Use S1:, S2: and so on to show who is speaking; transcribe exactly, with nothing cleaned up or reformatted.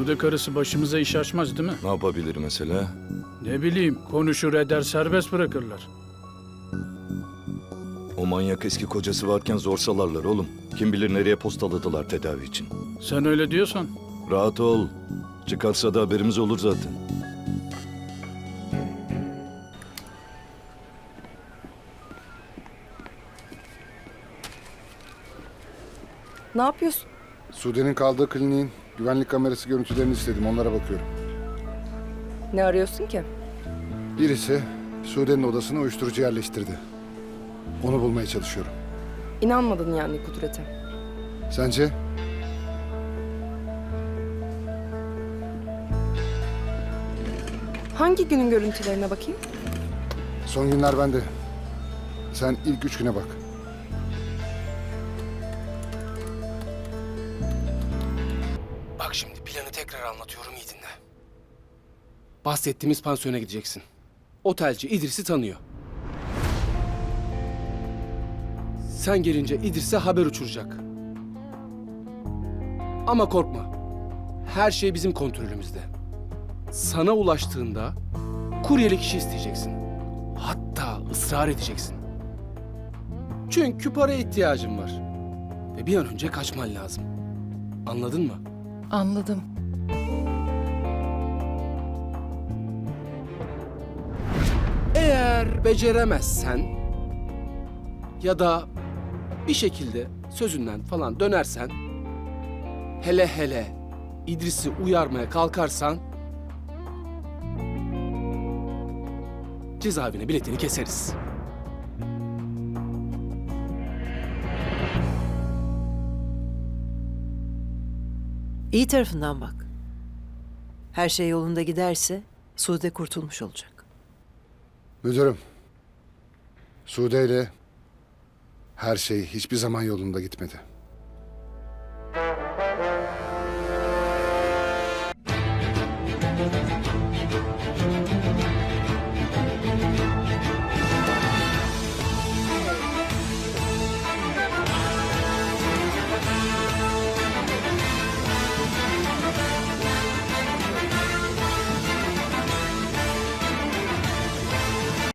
S1: Sude karısı başımıza iş açmaz değil mi?
S2: Ne yapabilir mesela?
S1: Ne bileyim, konuşur eder serbest bırakırlar.
S2: O manyak eski kocası varken zor salarlar oğlum. Kim bilir nereye postaladılar tedavi için.
S1: Sen öyle diyorsan.
S2: Rahat ol. Çıkarsa da haberimiz olur zaten.
S3: Ne yapıyorsun?
S4: Sude'nin kaldığı kliniğin güvenlik kamerası görüntülerini istedim. Onlara bakıyorum.
S3: Ne arıyorsun ki?
S4: Birisi Sude'nin odasına uyuşturucu yerleştirdi. Onu bulmaya çalışıyorum.
S3: İnanmadın yani Kudret'e.
S4: Sence?
S3: Hangi günün görüntülerine bakayım?
S4: Son günler bende. Sen ilk üç güne bak.
S5: Bak şimdi planı tekrar anlatıyorum, iyi dinle. Bahsettiğimiz pansiyona gideceksin. Otelci İdris'i tanıyor. Sen gelince İdris'e haber uçuracak. Ama korkma. Her şey bizim kontrolümüzde. Sana ulaştığında kuryelik işi isteyeceksin. Hatta ısrar edeceksin. Çünkü paraya ihtiyacın var. Ve bir an önce kaçman lazım. Anladın mı?
S6: Anladım.
S5: Eğer beceremezsen ya da bir şekilde sözünden falan dönersen, hele hele İdris'i uyarmaya kalkarsan cezaevine biletini keseriz.
S6: İyi tarafından bak. Her şey yolunda giderse Sude kurtulmuş olacak.
S4: Müdürüm. Sude ile her şey hiçbir zaman yolunda gitmedi.